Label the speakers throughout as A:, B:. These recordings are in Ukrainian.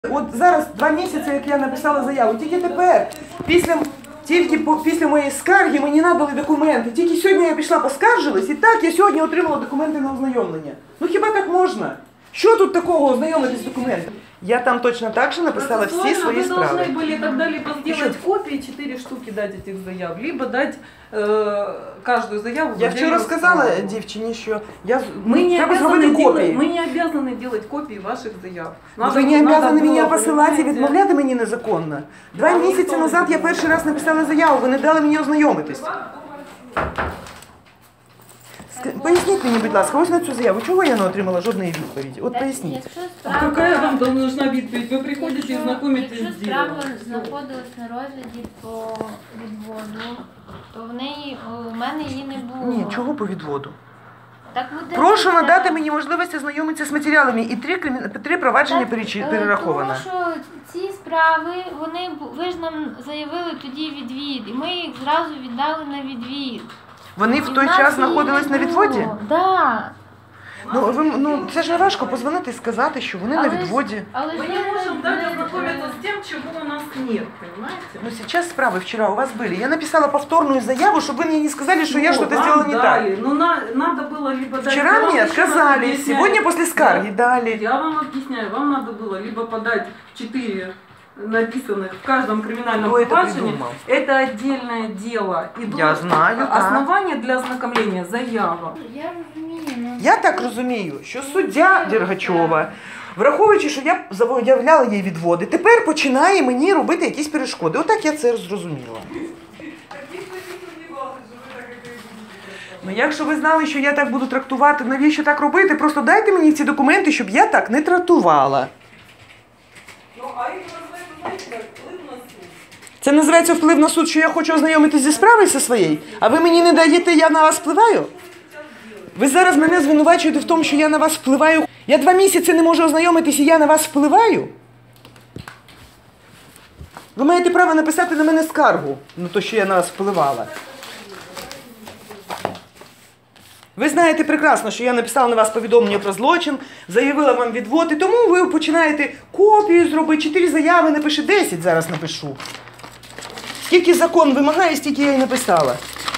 A: От зараз 2 місяці, як я написала заяву, тільки тепер, після моєї скарги мені надали документи. Тільки сьогодні я пішла поскаржилась, і так я сьогодні отримала документи на ознайомлення. Ну хіба так можна? Що тут такого ознайомитись з документами? Я там точно так же написала всі свої справи.
B: Вы должны были тогда либо сделать копии, 4 штуки дать этих заяв, либо дать каждую заяву.
A: Я вчора сказала дівчині, що
B: мы
A: треба зробити копії.
B: Мы не обязаны делать копии ваших заяв.
A: Ви не обязаны мене посилати і відмовляти мені незаконно. 2 місяці назад я перший раз написала заяву, ви не дали мені ознайомитись. Поясніть мені, будь ласка, ось на цю заяву, чого я не отримала жодної відповіді? От поясніть.
B: А какая вам нужна відповідь? Ви приходите і знайомитесь з ділом.
C: Якщо справа знаходилась на розгляді по відводу, то у мене її не було.
A: Ні, чого по відводу?
C: Так
A: Прошу надати мені можливість ознайомитися з матеріалами, і 3 провадження перераховано.
C: Тому що ці справи, ви ж нам заявили тоді відвід, і ми їх зразу віддали на відвід.
A: Вони в той час знаходились на відводі?
C: Так.
A: Ну, це ж важко позвонити і сказати, що вони на відводі.
B: Мы не можем дать ознакомиться с тем, чего у нас нет, понимаете?
A: Ну, сейчас справы вчера у вас были. Я написала повторную заяву, чтобы вы мне не сказали, что я что-то сделала не так.
B: Ну, надо было либо дать...
A: Вчера мне отказали, сегодня после скарги дали.
B: Я вам объясняю, вам надо было либо подать 4 написанных в каждом криминальном проваджении. Это отдельное дело.
A: Я знаю,
B: основание для ознакомления заява.
C: Я розумію.
A: Я так розумію, що суддя Дергачова, враховуючи, що я заявляла їй відводи, тепер починає мені робити якісь перешкоди. Отак я це зрозуміла. Ну, якщо ви знали, що я так буду трактувати, навіщо так робити? Просто дайте мені ці документи, щоб я так не трактувала. Це називається вплив на суд, що я хочу ознайомитися зі справою зі своєю, а ви мені не даєте, я на вас впливаю? Ви зараз мене звинувачуєте в тому, що я на вас впливаю. Я 2 місяці не можу ознайомитися, і я на вас впливаю? Ви маєте право написати на мене скаргу, на те, що я на вас впливала. Ви знаєте прекрасно, що я написала на вас повідомлення про злочин, заявила вам відвод, і тому ви починаєте копію зробити, 4 заяви напиши, 10 зараз напишу. Скільки закон вимагає, стільки я й написала.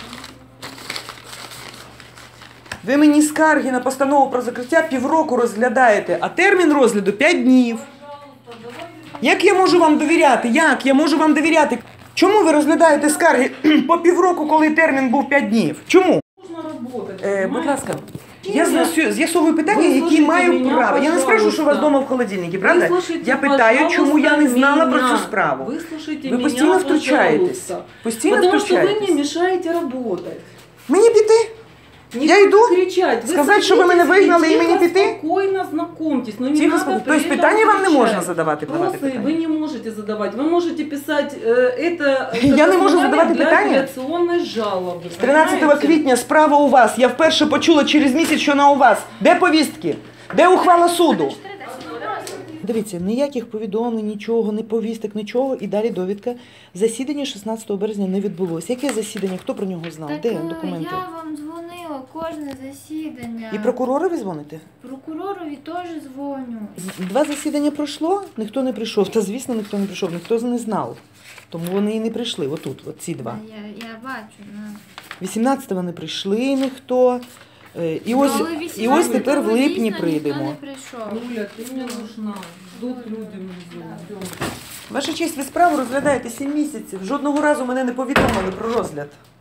A: Ви мені скарги на постанову про закриття 1,5 року розглядаєте, а термін розгляду 5 днів. Як я можу вам довіряти? Як я можу вам довіряти? Чому ви розглядаєте скарги по 1,5 року, коли термін був 5 днів? Чому? Будь ласка, я з'ясовую питання, які маю право. Я не скажу, що у вас вдома в холодильнику, правда? Я питаю, чому я не знала про цю справу. Ви постійно втручаєтесь. Постійно втручаєтесь.
B: Потому что вы мне мешаете работать.
A: Мені піти? Я йду?
B: Кричать.
A: Сказати, що ви мене вигнали і мені піти?
B: Спокойно знакомьтесь. Но не
A: Тихо,
B: надо
A: тобто питання вам не можна задавати?
B: Вопросы вы не можете задавать. Вы можете писать это
A: Я не можу задавати
B: для
A: питання?
B: апеляционной жалобы.
A: З 13 квітня справа у вас. Я вперше почула через місяць, що вона у вас. Де повістки? Де ухвала суду? Дивіться, ніяких повідомлень, нічого, ні повісток, нічого. І далі довідка. Засідання 16 березня не відбулося. Яке засідання? Хто про нього знав? Де документи?
C: Я вам дзвонила кожне засідання.
A: І прокуророві дзвоните?
C: Прокуророві теж дзвоню.
A: 2 засідання пройшло, ніхто не прийшов. Та, звісно, ніхто не прийшов, ніхто не знав. Тому вони і не прийшли. Отут, от ці 2.
C: Я бачу.
A: 18-го не прийшли ніхто. І ось тепер в липні прийдемо.
B: Юля, ти мені нужна. Ждуть люди внизу.
A: Ваша честь, ви справу розглядаєте 7 місяців. Жодного разу мене не повідомили про розгляд.